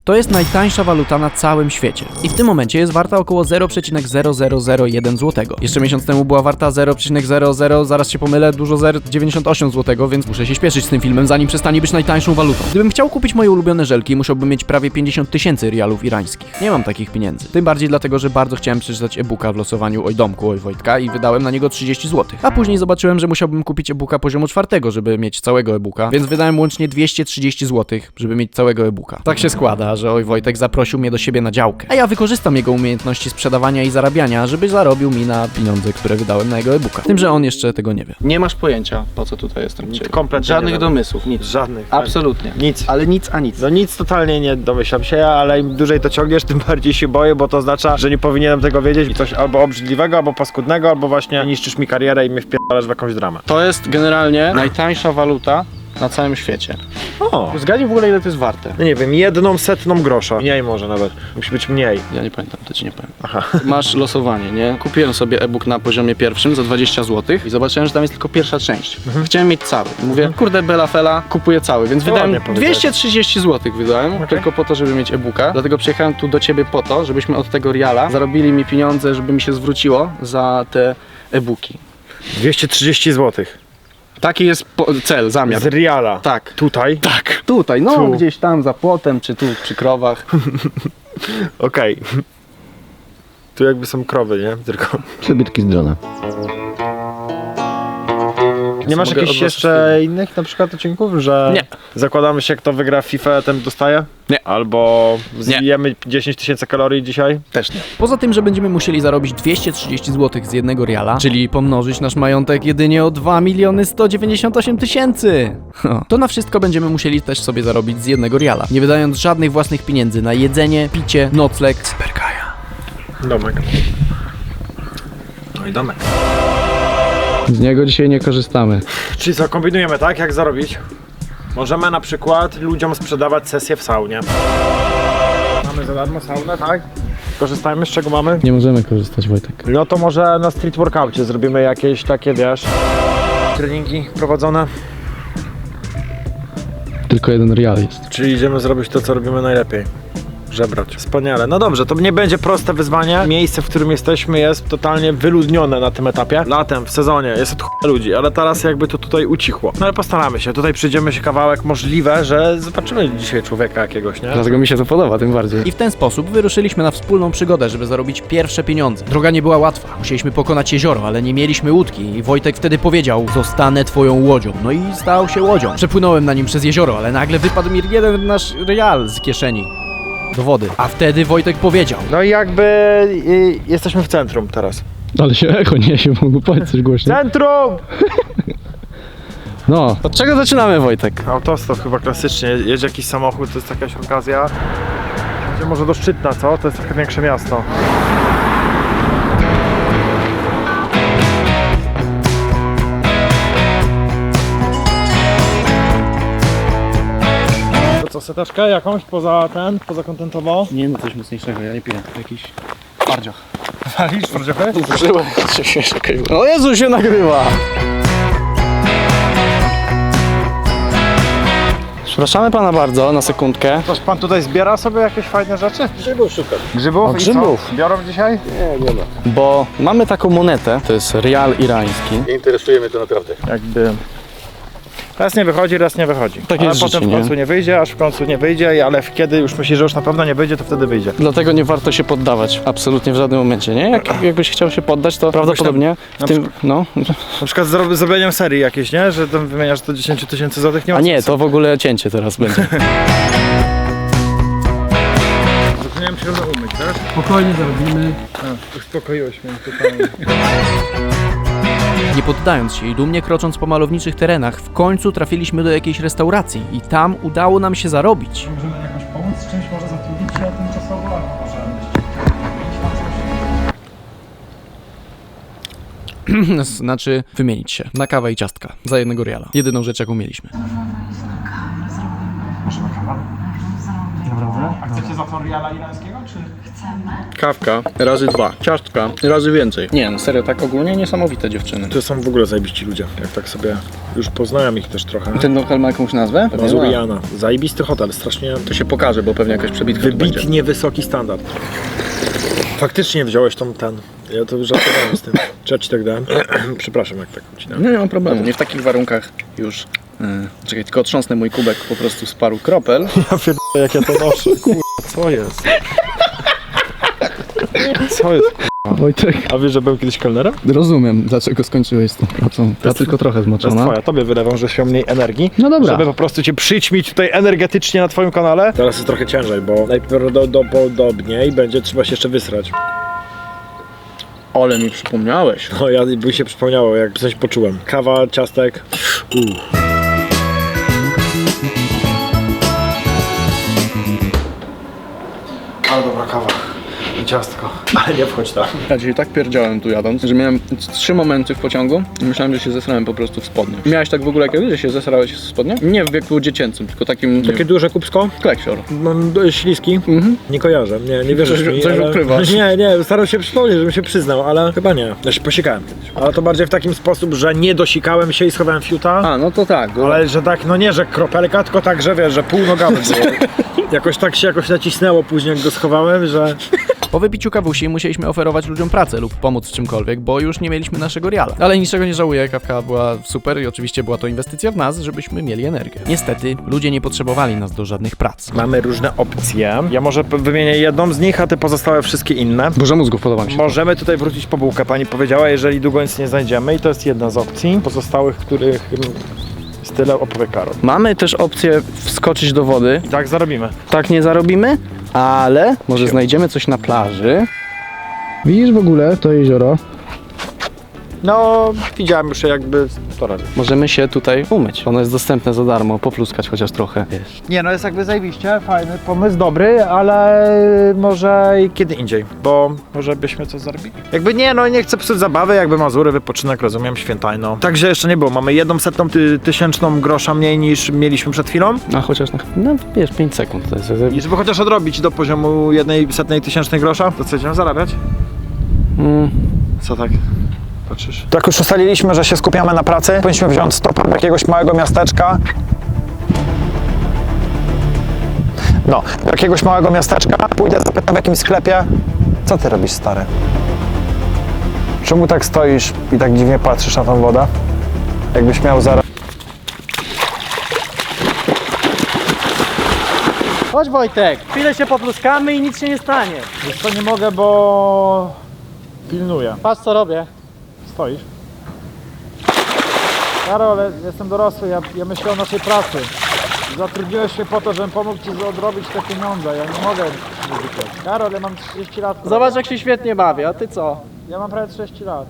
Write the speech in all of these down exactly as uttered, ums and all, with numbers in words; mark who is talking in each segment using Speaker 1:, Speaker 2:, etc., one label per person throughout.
Speaker 1: To jest najtańsza waluta na całym świecie. I w tym momencie jest warta około zero przecinek zero zero zero jeden złotego. Jeszcze miesiąc temu była warta zero przecinek zero zero, zaraz się pomylę, dużo zer dziewięćdziesiąt osiem złotego, więc muszę się śpieszyć z tym filmem, zanim przestanie być najtańszą walutą. Gdybym chciał kupić moje ulubione żelki, musiałbym mieć prawie pięćdziesiąt tysięcy rialów irańskich. Nie mam takich pieniędzy. Tym bardziej dlatego, że bardzo chciałem przeczytać e-booka w losowaniu Oj Domku, Oj Wojtka i wydałem na niego trzydzieści złotych. A później zobaczyłem, że musiałbym kupić e-booka poziomu czwartego, żeby mieć całego e-booka, więc wydałem łącznie dwieście trzydzieści złotych, żeby mieć całego e-booka. Tak się składa, że Oj Wojtek zaprosił mnie do siebie na działkę, a ja wykorzystam jego umiejętności sprzedawania i zarabiania, żeby zarobił mi na pieniądze, które wydałem na jego e-booka. Tym, że on jeszcze tego nie wie.
Speaker 2: Nie masz pojęcia, po co tutaj jestem.
Speaker 3: Nic, kompletnie
Speaker 2: Żadnych
Speaker 3: nie
Speaker 2: domysłów, nic.
Speaker 3: Żadnych.
Speaker 2: Absolutnie.
Speaker 3: Nic.
Speaker 2: Ale nic a nic.
Speaker 3: No nic totalnie nie domyślam się, ale im dłużej to ciągniesz, tym bardziej się boję, bo to oznacza, że nie powinienem tego wiedzieć i coś albo obrzydliwego, albo paskudnego, albo właśnie niszczysz mi karierę i mnie wpierdalasz w jakąś dramę.
Speaker 2: To jest generalnie najtańsza waluta na całym świecie.
Speaker 3: O!
Speaker 2: Zgadnij w ogóle, ile to jest warte.
Speaker 3: No nie wiem, jedną setną grosza. Mniej może nawet. Musi być mniej.
Speaker 2: Ja nie pamiętam, to ci nie powiem.
Speaker 3: Aha.
Speaker 2: Masz losowanie, nie? Kupiłem sobie e-book na poziomie pierwszym za dwadzieścia złotych i zobaczyłem, że tam jest tylko pierwsza część.
Speaker 3: Mhm.
Speaker 2: Chciałem mieć cały. Mówię, kurde, bela fela, kupuję cały, więc
Speaker 3: To
Speaker 2: wydałem
Speaker 3: ładnie powiedziałeś.
Speaker 2: dwieście trzydzieści złotych wydałem,
Speaker 3: Okay.
Speaker 2: tylko po to, żeby mieć e-booka. Dlatego przyjechałem tu do ciebie po to, żebyśmy od tego riala zarobili mi pieniądze, żeby mi się zwróciło za te e-booki.
Speaker 3: dwieście trzydzieści złotych.
Speaker 2: Taki jest po- cel, zamiar.
Speaker 3: Z Riala.
Speaker 2: Tak.
Speaker 3: Tutaj.
Speaker 2: Tak. Tutaj, no
Speaker 3: Tu.
Speaker 2: gdzieś tam za płotem, czy tu przy krowach.
Speaker 3: Okej. Tu jakby są krowy, nie? Tylko.
Speaker 4: Przebytki z drona.
Speaker 3: Nie masz
Speaker 2: Mogę
Speaker 3: jakichś
Speaker 2: od was
Speaker 3: jeszcze innych na przykład odcinków, że
Speaker 2: Nie.
Speaker 3: zakładamy się, kto wygra FIFA, ten dostaje?
Speaker 2: Nie.
Speaker 3: Albo zjemy dziesięć tysięcy kalorii dzisiaj?
Speaker 2: Też nie.
Speaker 1: Poza tym, że będziemy musieli zarobić dwieście trzydzieści złotych z jednego riala, czyli pomnożyć nasz majątek jedynie o dwa miliony sto dziewięćdziesiąt osiem tysięcy, to na wszystko będziemy musieli też sobie zarobić z jednego riala, nie wydając żadnych własnych pieniędzy na jedzenie, picie, nocleg, sperkaja.
Speaker 3: Domek. No i domek.
Speaker 2: Z niego dzisiaj nie korzystamy.
Speaker 3: Czyli co, kombinujemy, tak? Jak zarobić? Możemy na przykład ludziom sprzedawać sesję w saunie. Mamy za darmo saunę, tak? Korzystajmy, z czego mamy?
Speaker 2: Nie możemy korzystać, Wojtek.
Speaker 3: No to może na street workoutie zrobimy jakieś takie, wiesz, treningi prowadzone.
Speaker 2: Tylko jeden rial jest.
Speaker 3: Czyli idziemy zrobić to, co robimy najlepiej. Żebrać. Wspaniale. No dobrze, to nie będzie proste wyzwanie. Miejsce, w którym jesteśmy, jest totalnie wyludnione na tym etapie. Latem, w sezonie jest od chuja ludzi, ale teraz jakby to tutaj ucichło. No ale postaramy się. Tutaj przyjdziemy się kawałek. Możliwe, że zobaczymy dzisiaj człowieka jakiegoś, nie?
Speaker 2: Dlatego mi się to podoba, tym bardziej.
Speaker 1: I w ten sposób wyruszyliśmy na wspólną przygodę, żeby zarobić pierwsze pieniądze. Droga nie była łatwa, musieliśmy pokonać jezioro, ale nie mieliśmy łódki i Wojtek wtedy powiedział: zostanę twoją łodzią. No i stał się łodzią. Przepłynąłem na nim przez jezioro, ale nagle wypadł mi jeden nasz real z kieszeni do wody. A wtedy Wojtek powiedział:
Speaker 3: No i jakby y, jesteśmy w centrum teraz.
Speaker 2: Ale się echo niesie, mogę powiedzieć coś głośno.
Speaker 3: Centrum!
Speaker 2: No, od czego zaczynamy, Wojtek?
Speaker 3: Autostop chyba klasycznie. Jedzie jakiś samochód, to jest jakaś okazja. Będzie może do Szczytna, co? To jest trochę większe miasto. To co, seteczkę jakąś poza ten, poza kontentowo?
Speaker 2: Nie, no coś mocniejszego, ja nie piję. Jakiś twardziach.
Speaker 3: Walisz trochę?
Speaker 2: Użyłem się śmiesznie. O Jezu, się nagrywa! Przepraszamy pana bardzo, na sekundkę.
Speaker 3: Toż pan tutaj zbiera sobie jakieś fajne rzeczy? Grzybów szukam. Grzybów?
Speaker 2: O,
Speaker 3: I
Speaker 2: grzybów.
Speaker 3: co? Biorą dzisiaj?
Speaker 2: Bo mamy taką monetę, to jest rial irański.
Speaker 4: Nie interesuje mnie to naprawdę.
Speaker 3: Jakby... Raz nie wychodzi, raz nie wychodzi.
Speaker 2: Tak
Speaker 3: ale
Speaker 2: jest
Speaker 3: potem
Speaker 2: życie,
Speaker 3: w końcu
Speaker 2: nie?
Speaker 3: nie wyjdzie, aż w końcu nie wyjdzie, ale kiedy już myślisz, że już na pewno nie wyjdzie, to wtedy wyjdzie.
Speaker 2: Dlatego nie warto się poddawać, absolutnie w żadnym momencie, nie? Jak, jakbyś chciał się poddać, to prawdopodobnie w
Speaker 3: na
Speaker 2: tym, no.
Speaker 3: Na przykład z zrobieniem serii jakiejś, nie? Że tam wymieniasz to dziesięć tysięcy złotych, nie ma
Speaker 2: A nie,
Speaker 3: sensu.
Speaker 2: to w ogóle cięcie teraz będzie.
Speaker 3: Zapomniałem się równo umyć, tak?
Speaker 2: Spokojnie zarobimy.
Speaker 3: Uspokoiłeś mnie totalnie.
Speaker 1: Nie poddając się i dumnie krocząc po malowniczych terenach, w końcu trafiliśmy do jakiejś restauracji i tam udało nam się zarobić.
Speaker 3: Możemy jakoś pomóc z czymś, może zatrudnić się tymczasowo, albo może
Speaker 1: Znaczy wymienić się na kawę i ciastka za jednego riala. Jedyną rzecz, jaką mieliśmy.
Speaker 3: Może na kanał? Naprawdę? A chcecie zapor riala irańskiego, czy?
Speaker 2: Kawka razy dwa, ciastka razy więcej. Nie no, serio, tak ogólnie niesamowite dziewczyny.
Speaker 3: To są w ogóle zajebiści ludzie, jak tak sobie już poznałem ich też trochę.
Speaker 2: Ten lokal ma jakąś nazwę? Pewnie ma.
Speaker 3: Mazuriana. Zajebisty hotel, strasznie
Speaker 2: To się pokaże, bo pewnie jakaś przebitka tu będzie.
Speaker 3: wybitnie wysoki standard. Faktycznie wziąłeś tą ten. Ja to żartowałem z tym. Czy ja ci tak dałem? Przepraszam, jak tak ucinałem.
Speaker 2: No nie mam problemu, nie w takich warunkach już. Yy, czekaj, tylko otrząsnę mój kubek po prostu z paru kropel.
Speaker 3: Ja pierdolę, jak ja to noszę. Kur... co jest? Co jest?
Speaker 1: Wojtek,
Speaker 3: A wiesz, że byłem kiedyś kelnerem?
Speaker 1: rozumiem, dlaczego skończyłeś z tą pracą. Ta tylko trochę
Speaker 3: To jest
Speaker 1: zmoczona.
Speaker 3: twoja, tobie wylewam, że się mniej energii.
Speaker 1: No dobra.
Speaker 3: Żeby po prostu cię przyćmić tutaj energetycznie na twoim kanale. Teraz jest trochę ciężej, bo najprawdopodobniej będzie trzeba się jeszcze wysrać.
Speaker 2: Ale mi przypomniałeś.
Speaker 3: No ja by się przypomniało, jak coś poczułem. Kawa, ciastek. Uh. Ale dobra kawa. I ciastko. Ale nie wchodź tam.
Speaker 2: Ja dzisiaj tak pierdziałem tu jadąc, że miałem trzy momenty w pociągu i myślałem, że się zesrałem po prostu w spodnie. Miałeś tak w ogóle kiedyś, że się zesrałeś w spodnie? Nie w wieku dziecięcym, tylko takim...
Speaker 3: Takie duże kubsko?
Speaker 2: Kleksior.
Speaker 3: Mam do- śliski.
Speaker 2: Mhm.
Speaker 3: Nie kojarzę, nie, nie wierzysz
Speaker 2: Coś-
Speaker 3: mi,
Speaker 2: coś
Speaker 3: ale...
Speaker 2: ukrywasz.
Speaker 3: Nie, nie, starał się przypomnieć, żebym się przyznał, ale chyba nie. Ja się posikałem kiedyś. Ale to bardziej w takim sposób, że nie dosikałem się i schowałem fiuta.
Speaker 2: A, no to tak. Bo...
Speaker 3: Ale że tak, no nie, że kropelka, tylko tak, że wiesz, że pół nogawy było. Jakoś tak się jakoś nacisnęło później, jak go schowałem, że...
Speaker 1: Po wypiciu kawusi musieliśmy oferować ludziom pracę lub pomóc w czymkolwiek, bo już nie mieliśmy naszego riala. Ale niczego nie żałuję, kawka była super i oczywiście była to inwestycja w nas, żebyśmy mieli energię. Niestety, ludzie nie potrzebowali nas do żadnych prac.
Speaker 3: Mamy różne opcje. Ja może p- wymienię jedną z nich, a ty pozostałe wszystkie inne.
Speaker 2: Burza mózgów podoba mi się.
Speaker 3: Możemy tutaj wrócić po bułkę, pani powiedziała, jeżeli długo nic nie znajdziemy i to jest jedna z opcji. Pozostałych, których mm, jest tyle, opowie Karol.
Speaker 2: Mamy też opcję wskoczyć do wody.
Speaker 3: I tak zarobimy.
Speaker 2: Tak nie zarobimy, ale może znajdziemy coś na plaży.
Speaker 1: Widzisz w ogóle to jezioro?
Speaker 3: No, widziałem już jakby to robię.
Speaker 2: Możemy się tutaj umyć. Ono jest dostępne za darmo, popluskać chociaż trochę. Wiesz.
Speaker 3: Nie no, jest jakby zajebiście, fajny pomysł, dobry, ale może i kiedy indziej, bo może byśmy coś zarobili. Jakby nie, no nie chcę psuć zabawy, jakby Mazury, wypoczynek, rozumiem, świętajno. Także jeszcze nie było, mamy jedną setną ty tysięczną grosza mniej niż mieliśmy przed chwilą.
Speaker 2: A chociaż na, no wiesz, pięć sekund to jest.
Speaker 3: I żeby chociaż odrobić do poziomu jednej setnej tysięcznej grosza, to co będziemy zarabiać?
Speaker 2: Mm.
Speaker 3: Co tak? Patrzysz? Tak już ustaliliśmy, że się skupiamy na pracy. Powinniśmy wziąć stopa do jakiegoś małego miasteczka. No, do jakiegoś małego miasteczka. Pójdę, zapytam w jakimś sklepie. Co ty robisz, stary? Czemu tak stoisz i tak dziwnie patrzysz na tą wodę? Jakbyś miał zaraz...
Speaker 5: Chodź Wojtek, chwilę się popluskamy i nic się nie stanie.
Speaker 3: Wiesz co, nie mogę, bo... pilnuję.
Speaker 5: Patrz co robię.
Speaker 3: Stoisz? Karol, jestem dorosły, ja, ja myślę o naszej pracy. Zatrudniłeś mnie po to, żebym pomógł ci odrobić te pieniądze. Ja nie mogę uzyskać. Karol, ja mam trzydzieści lat.
Speaker 5: Zobacz jak się świetnie bawię, a ty co?
Speaker 3: Ja mam prawie trzydzieści lat.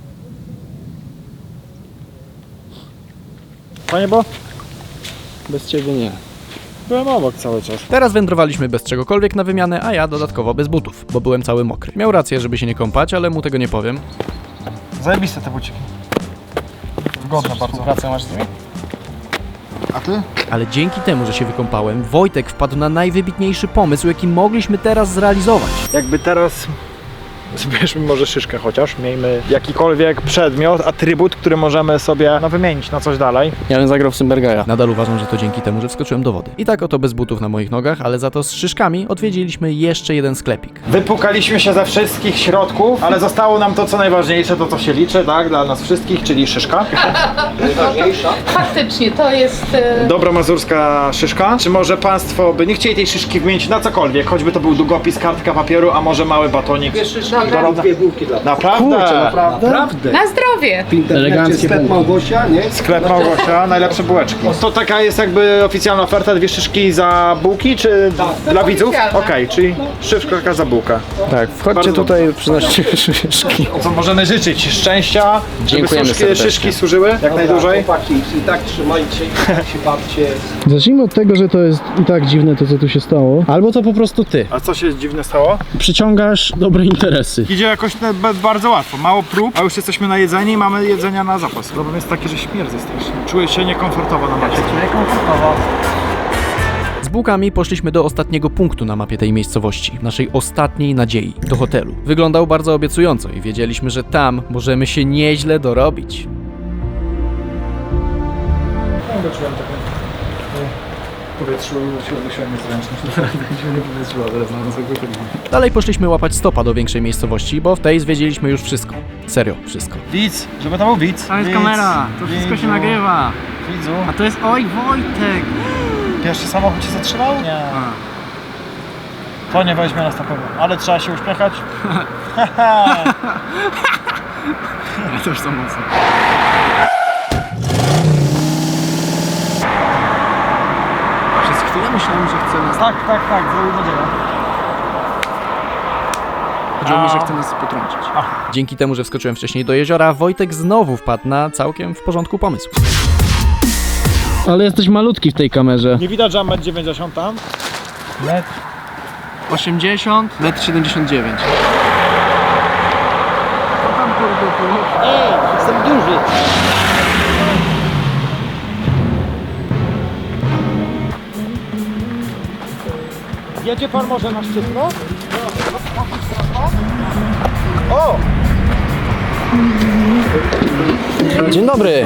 Speaker 3: Panie Bo?
Speaker 2: Bez ciebie nie.
Speaker 3: Byłem obok cały czas.
Speaker 1: Teraz wędrowaliśmy bez czegokolwiek na wymianę, a ja dodatkowo bez butów, bo byłem cały mokry. Miał rację, żeby się nie kąpać, ale mu tego nie powiem.
Speaker 3: Zajebiste te buciki. Wygodne bardzo.
Speaker 2: Pracę masz z nimi?
Speaker 3: A ty?
Speaker 1: Ale dzięki temu, że się wykąpałem, Wojtek wpadł na najwybitniejszy pomysł, jaki mogliśmy teraz zrealizować.
Speaker 3: Jakby teraz zbierzmy może szyszkę chociaż, miejmy jakikolwiek przedmiot, atrybut, który możemy sobie no, wymienić na coś dalej.
Speaker 2: Ja bym zagrał w Symbergaja.
Speaker 1: Nadal uważam, że to dzięki temu, że wskoczyłem do wody. I tak oto bez butów na moich nogach, ale za to z szyszkami odwiedziliśmy jeszcze jeden sklepik.
Speaker 3: Wypukaliśmy się ze wszystkich środków, ale zostało nam to co najważniejsze, to co się liczy, tak, dla nas wszystkich, czyli szyszka.
Speaker 6: Faktycznie, to jest... e,
Speaker 3: Dobra mazurska szyszka. Czy może państwo by nie chcieli tej szyszki wymienić na cokolwiek, choćby to był długopis, kartka papieru, a może mały batonik?
Speaker 6: Dobra.
Speaker 3: Dwie bułki dla Naprawdę?
Speaker 2: Naprawdę?
Speaker 6: Na zdrowie!
Speaker 2: Eleganckie
Speaker 7: Sklep Małgosia, nie?
Speaker 3: Sklep Małgosia, najlepsze bułeczki. To taka jest jakby oficjalna oferta, dwie szyszki za bułki, czy dla widzów? Okej,
Speaker 6: oficjalna.
Speaker 3: czyli szyszka za bułkę.
Speaker 2: Tak, wchodźcie
Speaker 3: Bardzo
Speaker 2: tutaj, przynoście szyszki.
Speaker 3: Co możemy życzyć? Szczęścia, żeby
Speaker 2: Dziękujemy
Speaker 3: szyszki,
Speaker 2: serdecznie.
Speaker 3: szyszki służyły jak najdłużej.
Speaker 7: Chłopaki, i tak trzymajcie, się bawcie.
Speaker 8: Zacznijmy od tego, że to jest i tak dziwne to, co tu się stało. Albo to po prostu ty.
Speaker 3: A co się dziwne stało?
Speaker 8: Przyciągasz dobre interesy.
Speaker 3: Idzie jakoś te- be- bardzo łatwo, mało prób, a już jesteśmy na jedzenie i mamy jedzenia na zapas. Problem jest taki, że śmierdzę strasznie. Czuję się niekomfortowo na macie.
Speaker 1: Z Z bułkami poszliśmy do ostatniego punktu na mapie tej miejscowości, naszej ostatniej nadziei, do hotelu. Wyglądał bardzo obiecująco i wiedzieliśmy, że tam możemy się nieźle dorobić.
Speaker 8: Czułem takie w powietrzu, siłę niezręczność, naprawdę się nie powietrzyła, teraz na nas
Speaker 1: Dalej poszliśmy łapać stopa do większej miejscowości, bo w tej zwiedziliśmy już wszystko. Serio, wszystko.
Speaker 3: Widz, żeby to był widz.
Speaker 5: Tam jest
Speaker 3: Widz,
Speaker 5: kamera, to wszystko się nagrywa.
Speaker 3: Widzu.
Speaker 5: A to jest, oj Wojtek!
Speaker 3: Pierwszy samochód się zatrzymał? Nie. To nie weźmie nas na pewno, ale trzeba się uśmiechać.
Speaker 5: To już są mocne.
Speaker 1: Przez chwilę myślałem, że chce nas...
Speaker 3: Tak, tak, tak, zrobił nadzieję.
Speaker 1: Chodziło mi, że chce nas potrącić. Dzięki temu, że wskoczyłem wcześniej do jeziora, Wojtek znowu wpadł na całkiem w porządku pomysł.
Speaker 8: Ale jesteś malutki w tej kamerze.
Speaker 3: Nie widać, że metr dziewięćdziesiąt tam? Metr.
Speaker 5: osiemdziesiąt,
Speaker 2: metr siedemdziesiąt dziewięć.
Speaker 3: Jedzie pan może na szczytno? O!
Speaker 1: Dzień dobry!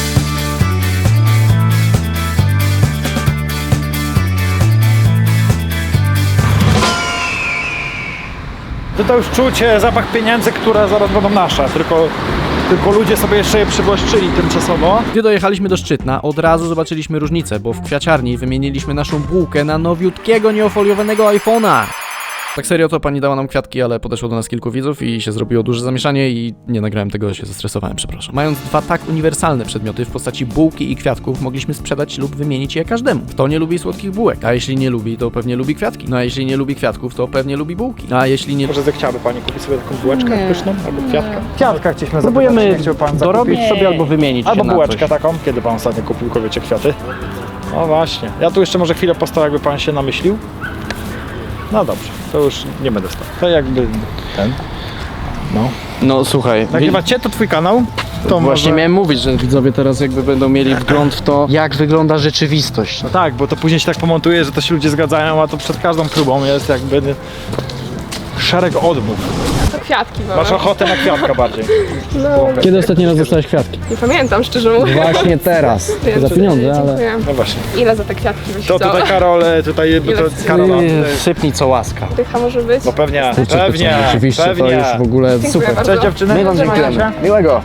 Speaker 3: To, to już czuć e, zapach pieniędzy, które zaraz będą nasze, tylko, tylko ludzie sobie jeszcze je przywłaszczyli tymczasowo.
Speaker 1: Gdy dojechaliśmy do Szczytna, od razu zobaczyliśmy różnicę, bo w kwiaciarni wymieniliśmy naszą bułkę na nowiutkiego, nieofoliowanego iPhone'a. Tak serio, to pani dała nam kwiatki, ale podeszło do nas kilku widzów i się zrobiło duże zamieszanie i nie nagrałem tego, się zestresowałem, przepraszam. Mając dwa tak uniwersalne przedmioty w postaci bułki i kwiatków, mogliśmy sprzedać lub wymienić je każdemu. Kto nie lubi słodkich bułek, a jeśli nie lubi, to pewnie lubi kwiatki. No a jeśli nie lubi kwiatków, to pewnie lubi bułki. A jeśli nie...
Speaker 3: Może zechciałaby pani kupić sobie taką bułeczkę pyszną albo kwiatka? Kwiatka chcieliśmy
Speaker 1: Próbujemy
Speaker 3: zapytać, nie chciał pan
Speaker 1: dorobić
Speaker 3: zakupić?
Speaker 1: sobie albo wymienić
Speaker 3: Albo
Speaker 1: się na
Speaker 3: bułeczkę
Speaker 1: coś.
Speaker 3: taką. Kiedy pan ostatnio kupił kobiecie kwiaty? No właśnie. Ja tu jeszcze może chwilę postał, jakby pan się namyślił. No dobrze, to już nie będę stał. To jakby ten. No.
Speaker 2: No słuchaj,
Speaker 3: Nagrywa cię, to twój kanał? To
Speaker 2: właśnie
Speaker 3: może...
Speaker 2: miałem mówić, że widzowie teraz jakby będą mieli wgląd w to, jak wygląda rzeczywistość.
Speaker 3: No tak, bo to później się tak pomontuje, że to się ludzie zgadzają, a to przed każdą próbą jest jakby szereg odmów.
Speaker 6: To kwiatki
Speaker 3: Masz
Speaker 6: wolę.
Speaker 3: ochotę na kwiatka bardziej.
Speaker 8: Kiedy ostatni raz dostałeś kwiatki?
Speaker 6: Nie pamiętam, szczerze mówiąc.
Speaker 2: Właśnie teraz.
Speaker 6: Więc,
Speaker 8: za pieniądze, ale-
Speaker 6: dziękuję.
Speaker 3: No właśnie.
Speaker 6: Ile za te kwiatki byś
Speaker 3: To
Speaker 6: chciała?
Speaker 3: tutaj Karol, tutaj bo
Speaker 6: Ile
Speaker 3: to
Speaker 6: chcesz?
Speaker 3: Karola.
Speaker 2: Sypnij co łaska.
Speaker 6: Dycha może być?
Speaker 3: No pewnie,
Speaker 2: Kurczę, to
Speaker 3: pewnie,
Speaker 2: co, rzeczywiście
Speaker 3: pewnie.
Speaker 2: to już w ogóle
Speaker 6: Dziękuję
Speaker 2: super.
Speaker 6: bardzo.
Speaker 3: Cześć dziewczyny.
Speaker 2: My wam
Speaker 6: Trzymajcie
Speaker 2: dziękujemy.
Speaker 6: się.
Speaker 2: Miłego.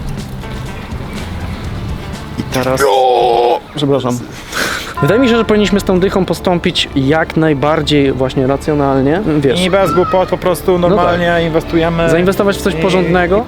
Speaker 2: I teraz... Przepraszam. Wydaje mi się, że powinniśmy z tą dychą postąpić jak najbardziej właśnie racjonalnie. Wiesz,
Speaker 3: I bez głupot, po prostu normalnie inwestujemy.
Speaker 2: zainwestować w coś
Speaker 3: I-
Speaker 2: porządnego.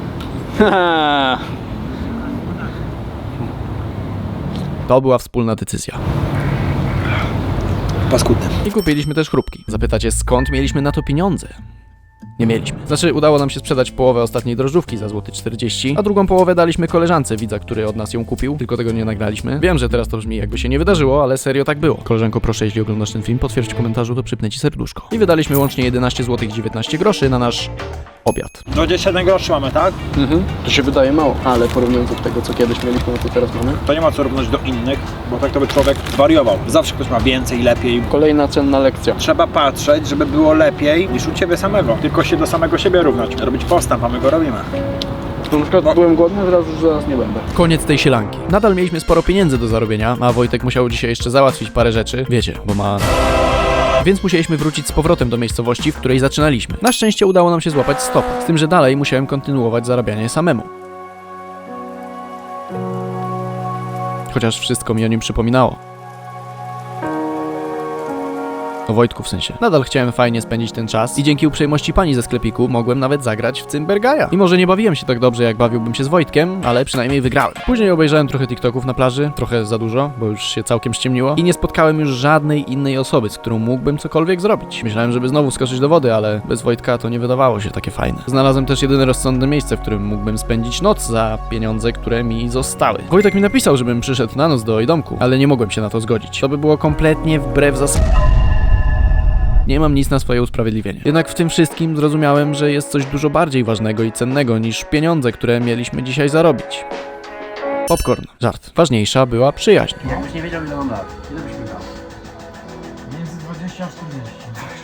Speaker 1: To była wspólna decyzja.
Speaker 3: Paskudne.
Speaker 1: I kupiliśmy też chrupki. Zapytacie, skąd mieliśmy na to pieniądze? Nie mieliśmy. Znaczy, udało nam się sprzedać połowę ostatniej drożdżówki za złoty czterdzieści, a drugą połowę daliśmy koleżance widza, który od nas ją kupił, tylko tego nie nagraliśmy. Wiem, że teraz to brzmi jakby się nie wydarzyło, ale serio tak było. Koleżanko, proszę, jeśli oglądasz ten film, potwierdź w komentarzu, to przypnę ci serduszko. I wydaliśmy łącznie jedenaście złotych dziewiętnaście groszy na nasz obiad.
Speaker 3: dwadzieścia jeden groszy mamy, tak?
Speaker 2: Mhm. To się wydaje mało, ale porównując do tego, co kiedyś mieliśmy, no to teraz mamy.
Speaker 3: To nie ma co równać do innych, bo tak to by człowiek wariował. Zawsze ktoś ma więcej, lepiej.
Speaker 2: Kolejna cenna lekcja.
Speaker 3: Trzeba patrzeć, żeby było lepiej niż u ciebie samego. Tylko się do samego siebie równać. Robić postęp, a my go robimy.
Speaker 2: Na przykład
Speaker 3: No.
Speaker 2: byłem głodny, teraz już zaraz nie będę.
Speaker 1: Koniec tej sielanki. Nadal mieliśmy sporo pieniędzy do zarobienia, a Wojtek musiał dzisiaj jeszcze załatwić parę rzeczy. Wiecie, bo ma... Więc musieliśmy wrócić z powrotem do miejscowości, w której zaczynaliśmy. Na szczęście udało nam się złapać stop, z tym, że dalej musiałem kontynuować zarabianie samemu. Chociaż wszystko mi o nim przypominało. O Wojtku w sensie. Nadal chciałem fajnie spędzić ten czas i dzięki uprzejmości pani ze sklepiku mogłem nawet zagrać w Cymbergaja. Mimo że nie bawiłem się tak dobrze, jak bawiłbym się z Wojtkiem, ale przynajmniej wygrałem. Później obejrzałem trochę TikToków na plaży, trochę za dużo, bo już się całkiem ściemniło i nie spotkałem już żadnej innej osoby, z którą mógłbym cokolwiek zrobić. Myślałem, żeby znowu skoczyć do wody, ale bez Wojtka to nie wydawało się takie fajne. Znalazłem też jedyne rozsądne miejsce, w którym mógłbym spędzić noc za pieniądze, które mi zostały. Wojtek mi napisał, żebym przyszedł na noc do Ojdomku, ale nie mogłem się na to zgodzić. To by było kompletnie wbrew zasadom. Nie mam nic na swoje usprawiedliwienie. Jednak w tym wszystkim zrozumiałem, że jest coś dużo bardziej ważnego i cennego niż pieniądze, które mieliśmy dzisiaj zarobić. Popcorn. Żart. Ważniejsza była przyjaźń.
Speaker 5: Jakbyś nie wiedział, ile mam lat. Ile byś mi dał?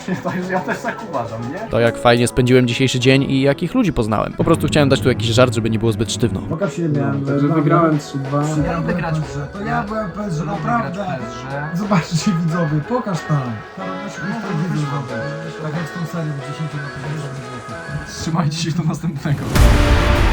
Speaker 8: właśnie to jest, ja też tak uważam, nie?
Speaker 1: To jak fajnie spędziłem dzisiejszy dzień i jakich ludzi poznałem. Po prostu chciałem dać tu jakiś żart, żeby nie było zbyt sztywno.
Speaker 8: Pokaż się, miałem,
Speaker 7: Także wygrałem trzy dwa.
Speaker 8: Ja lubię grać w grze. To ja byłem P S G, naprawdę. Zobaczcie widzowie, pokaż tam. Tam musi być tak widzowie. Tak jak z tą serią dziesięć lat. Trzymajcie się do następnego.